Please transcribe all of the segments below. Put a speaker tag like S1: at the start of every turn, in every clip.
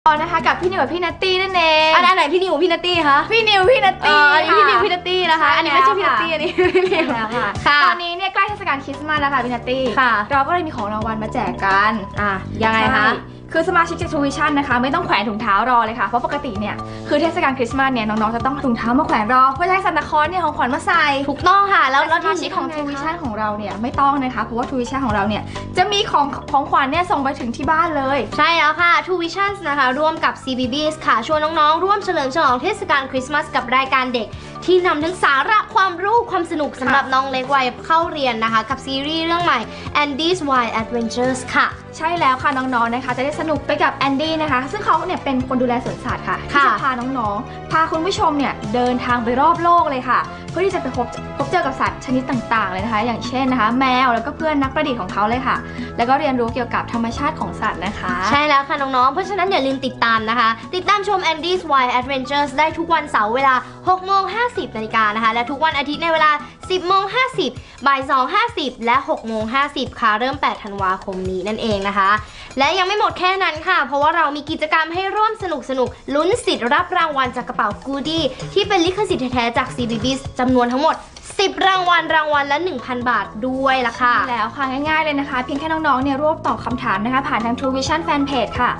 S1: นะคะกับพี่นิวกับพี่นัตตี้นั่นเอง
S2: อันไหนพี่นิวพี่นัตตี้คะ
S1: พี่นิวพี่นัตตี้
S2: อันนี้พี่นิวพี่นัตตี้นะคะอันนี้ไม่ใช่พี่นัตตี้อันนี้พี่นิว
S1: ค่ะตอนนี้เนี่ยใกล้เทศกาลคริสต์มาสแล้วค่ะพี่นัตตี้เราก็เลยมีของรางวัลมาแจกกัน
S2: ยังไงคะ
S1: คือสมาชิกจาก True Vision นะคะไม่ต้องแขวนถุงเท้ารอเลยค่ะเพราะปกติเนี่ยคือเทศกาลคริสต์มาสเนี่ยน้องๆจะต้องถุงเท้ามาแขวนรอเพื่อให้ซันตาคลอสเนี่ยของขวัญมาใส่
S2: ถูกต้องค่ะแล้ว
S1: สมาชิกของ True Vision ของเราเนี่ยไม่ต้องนะคะเพราะว่า True Vision ของเราเนี่ยจะมีของขวัญเนี่ยส่งไปถึงที่บ้านเลย
S2: ใช่แล้วค่ะ True Vision นะคะร่วมกับ CBBS ค่ะชวนน้องๆร่วมเฉลิมฉลองเทศกาลคริสต์มาสกับรายการเด็กที่นำทั้งสาระความรู้ความสนุกสำหรับน้องเล็กวัยเข้าเรียนนะคะกับซีรีส์เรื่องใหม่ Andy's Wild Adventures ค่ะ
S1: ใช่แล้วค่ะน้องๆนะคะจะได้สนุกไปกับแอนดี้นะคะซึ่งเขาเนี่ยเป็นคนดูแลสวนสัตว์ค่ะที่จะพาน้องๆพาคุณผู้ชมเนี่ยเดินทางไปรอบโลกเลยค่ะเพื่อที่จะไปพบเจอกับสัตว์ชนิดต่างๆเลยนะคะอย่างเช่นนะคะแมวแล้วก็เพื่อนนักประดิษฐ์ของเขาเลยค่ะแล้วก็เรียนรู้เกี่ยวกับธรรมชาติของสัตว์นะคะ
S2: ใช่แล้วค่ะน้องๆเพราะฉะนั้นอย่าลืมติดตามนะคะติดตามชม Andy's Wild Adventures ได้ทุกวันเสาร์เวลา 6:50 น.นะคะและทุกวันอาทิตย์ในเวลา 10:50 บ่าย 2:50 และ 6:50 ค่ะเริ่ม 8 ธันวาคมนี้นั่นเองนะคะและยังไม่หมดแค่นั้นค่ะเพราะว่าเรามีกิจกรรมให้ร่วมสนุกลุ้นสิทธิ์รับรางวัลจากกระเป๋า Goodie ที่เป็นลิขสิทธิ์แท้ๆจาก CBBS จำนวนทั้งหมด10 รางวัลละ 1,000 บาทด้วยล่ะค่ะ
S1: แล้วค่ะง่ายๆเลยนะคะเพียงแค่น้องๆเนี่ยร่วมตอบคำถามนะคะผ่านทาง True Vision Fanpage ค่ะ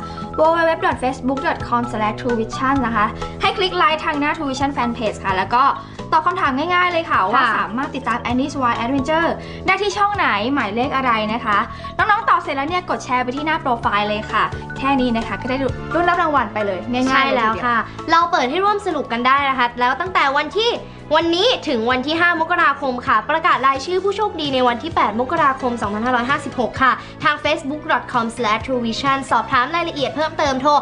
S1: www.facebook.com/truevision นะคะให้คลิกไลค์ทางหน้า True Vision Fanpage ค่ะแล้วก็ตอบคำถามง่ายๆเลยค่ะว่าสามารถติดตาม Andy's Wild Adventure ได้ที่ช่องไหนหมายเลขอะไรนะคะน้องๆตอบเสร็จแล้วเนี่ยกดแชร์ไปที่หน้าโปรไฟล์เลยค่ะแค่นี้นะคะก็ได้รุ่นรับรางวัลไปเลยง่ายๆ
S2: ใช่แล้วค่ะเราเปิดให้ร่วมสนุกกันได้นะคะแล้วตั้งแต่วันนี้ถึงวันที่ 5 มกราคมค่ะประกาศรายชื่อผู้โชคดีในวันที่ 8 มกราคม 2556 ค่ะทาง facebook.com/truevision สอบถามรายละเอียดเพิ่มเติมโทร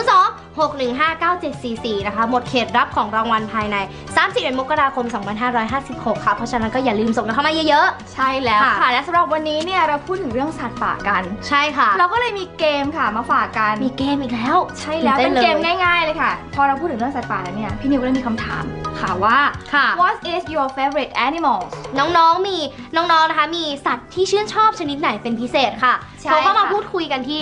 S2: 02-615-9744 นะคะหมดเขตรับของรางวัลภายใน 31 มกราคม 2556 ค่ะเพราะฉะนั้นก็อย่าลืมส่งกันเข้ามาเยอะ
S1: ๆใช่แล้วค่ะและสำหรับวันนี้เนี่ยเราพูดถึงเรื่องสัตว์ป่ากัน
S2: ใช่ค่ะ
S1: เราก็เลยมีเกมค่ะมาฝากกัน
S2: มีเกมอีกแล้ว
S1: ใช่แล้วเป็นเกมง่ายๆเลยค่ะพอเราพูดถึงเรื่องสัตว์ป่าแล้วเนี่ยพี่นิวก็เลยมีคำถามค่ะว่าWhat is your favorite animal
S2: น้องๆนะคะมีสัตว์ที่ชื่นชอบชนิดไหนเป็นพิเศษค่ะโทรเข้ามาพูดคุยกันที่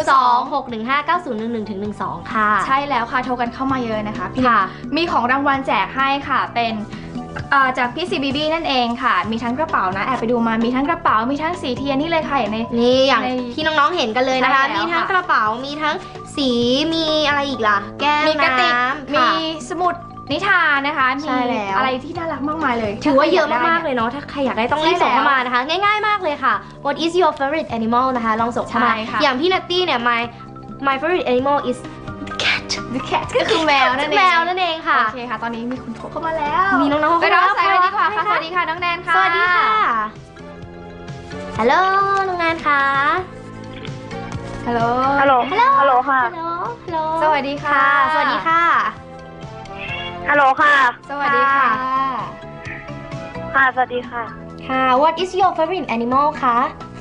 S2: 02-615-9011-12 ค่ะ
S1: ใช่แล้วค่ะโทรกันเข้ามาเยอะนะคะพี่มีของรางวัลแจกให้ค่ะเป็นจากพี่ CBB นั่นเองค่ะมีทั้งกระเป๋านะแอบไปดูมามีทั้งกระเป๋ามีทั้งสีเทียนนี่เลยค่ะอย่าง
S2: อย่างที่น้องๆเห็นกันเลยนะคะมีทั้งกระเป๋ามีทั้งสีมีอะไรอีกล่ะแก้วน้ำ
S1: มีสมุดนิทานนะคะมีอะไรที่น่ารักมากมายเลย
S2: ถือว่าเยอะมากๆเลยเนาะถ้าใครอยากได้ต้องรีบส่งเข้ามานะคะง่ายๆมากเลยค่ะ What is your favorite animal นะคะลองส่งเข้ามาอย่างพี่นัตตี้เนี่ย my favorite animal is
S1: the cat ก็คือแมวนั่นเอง
S2: ค่ะ
S1: โอเคค่ะตอนนี้มีคุณโทรเข้ามาแล้ว
S2: มีน้องๆ
S1: ไปรอสายเลยดีกว่าค่ะสวัสดีค่ะน้องแนนค่ะ
S2: สวัสดีค่ะฮัลโหลน้องแนนค่ะ
S1: ฮัลโหล
S3: ค่ะ
S1: สวัสดีค่ะ
S2: สวัสดีค่ะ
S3: ฮัลโหลค่ะ
S1: สวัสดีค่ะ
S3: ค่ะสวัสดีค่ะ
S2: ค่ะ What is your favorite animal คะ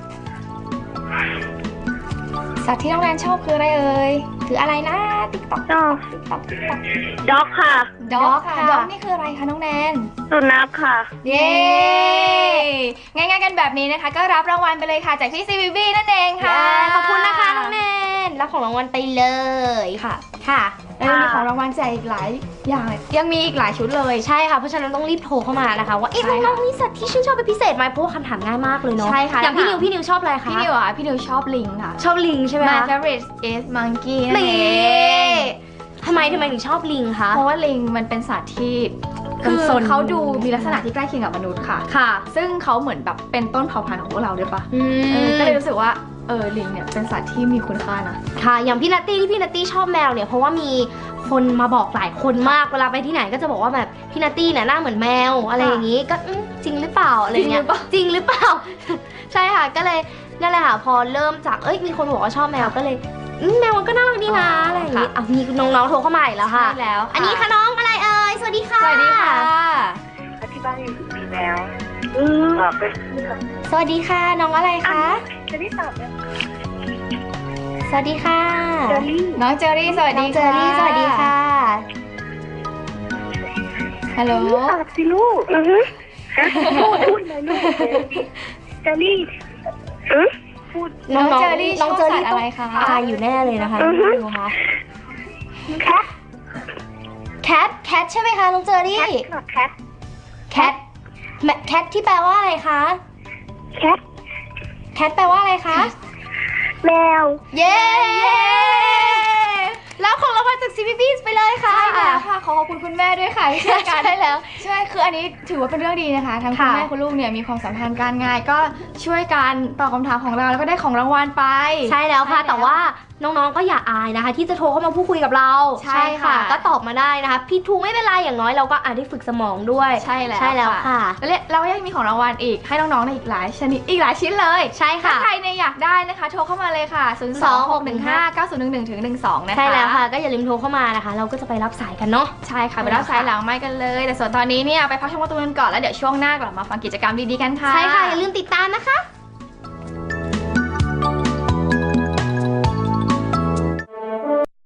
S1: สัตว์ที่น้องแนนชอบคืออะไรเอ่ยคืออะไรนะติ๊กต๊อก
S3: ชอบด็อกค่ะ
S1: ด็อกนี่คืออะไรคะน้องแนน
S3: สุนัขค่ะ
S1: เย้ง่ายๆกันแบบนี้นะคะก็รับรางวัลไปเลยค่ะจากพี่ CBB นั่นเองค่ะ
S2: ขอบคุณนะคะน้องแนนรับของรางวัลไปเลยค่ะ
S1: แล้วมีของรางวัลแจกอีกหลายอย่างยังมีอีกหลายชุดเลย
S2: ใช่ค่ะเพราะฉะนั้นต้องรีบโทรเข้ามานะคะว่าน้องๆมีสัตว์ที่ชื่นชอบเป็นพิเศษไหมเพราะว่าคำถามง่ายมากเลยเนาะ
S1: ใช่ค่ะ
S2: อย่างพี่นิวชอบอะไรคะ
S1: พี่นิวชอบลิงค่ะ
S2: ชอบลิงใช่ไหม
S1: My favorite is monkey
S2: ทำไมถึงชอบลิงคะ
S1: เพราะว่าลิงมันเป็นสัตว์ที่คือเขาดูมีลักษณะที่ใกล้เคียงกับมนุษย์ค่ะซึ่งเขาเหมือนแบบเป็นต้นเผ่าพันธุ์ของพวกเราด้วยปะก็เลยรู้สึกว่าลิงเนี่ยเป็นสัตว์ที่มีคุณค่านะ
S2: ค่ะอย่างพี่นัตตี้ชอบแมวเนี่ยเพราะว่ามีคนมาบอกหลายคนมากเวลาไปที่ไหนก็จะบอกว่าแบบพี่นัตตี้เนี่ยหน้าเหมือนแมวอะไรอย่างนี้ก็จริงหรือเปล่าอะไรเงี้ยจริงหรือเปล่าใช่ค่ะก็เลยนั่นแหละค่ะพอเริ่มจากมีคนบอกว่าชอบแมวก็เลยแมวมันก็น่ารักดีนะอะไรอย่างนี้มีน้องๆโทรเข้ามาอีกแล้วค่ะ
S1: ใช่แล้ว
S2: อันนี้ค่ะน้องอะไรเอ่ยสวัสดีค่ะ
S1: สวัสดีค่ะ
S3: ที่บ้านมีแมว
S2: สวัสดีค่ะน้องอะไรคะ
S3: จะได้ตอบเลย
S2: สวัสดีค่ะ
S1: น้องเจอรี่สวัสดี
S2: เจอรี่สวัสดีค่ะ
S1: ฮัลโหล
S3: ตอบสิลูกพูดเลยลูกเจอรี่
S1: น้องเจอรี่ชอบสัตว์อะไรคะ
S2: อยู่แน่เลยนะคะไม่รู้ค่ะ
S3: แคท
S2: แคทใช่ไหมคะน้องเจอรี่
S3: แคท
S2: แคทแคทที่แปลว่าอะไรคะ
S3: แคท
S2: แคทแปลว่าอะไรคะ
S3: แมว
S2: เย้แล้วของรางวัลจาก CPB ไปเลยค่ะ
S1: ใช่แล้วค่ะขอบคุณคุณแม่ด้วยค่ะที่ช่วยกัน
S2: ใช่แล้ว
S1: ใช่คืออันนี้ถือว่าเป็นเรื่องดีนะคะทั้งคุณ
S2: ค่ะ
S1: แม่คุณลูกเนี่ยมีความสัมพันธ์การงานก็ช่วยกันตอบคำถามของเราแล้วก็ได้ของรางวัลไป
S2: ใช่แล้วค่ะ แต่ว่าน้องๆก็อย่าอายนะคะ ที่จะโทรเข้ามาพูดคุยกับเรา
S1: ใช่ค่ะ
S2: ก็ตอบมาได้นะคะผิดถูกไม่เป็นไรอย่างน้อยเราก็อาจได้ฝึกสมองด้วย
S1: ใช่แล้ว
S2: ใช่แล้วค่ะ
S1: และเราก็ยังมีของรางวัลอีกให้น้องๆในอีกหลายชนิดอีกหลายชิ้นเลย
S2: ใช่
S1: ถ้า
S2: ค่ะ
S1: ใครเนี่ยอยากได้นะคะโทรเข้ามาเลยค่ะ 026159011-12 นะคะ
S2: ใช่แล้วค่ะ ก็อย่าลืมโทรเข้ามานะคะ เราก็จะไปรับสายกันเนาะ
S1: ใช่ค่ะไปรับสายหลังไม่กันเลย แต่ส่วนตอนนี้เนี่ยไปพักชมการ์ตูนกันก่อนแล้วเดี๋ยวช่วงหน้ากลับมาฟังกิจกรรมดีๆกันค่ะ
S2: ใช่ค่ะ อย่าลืมติดตามนะคะ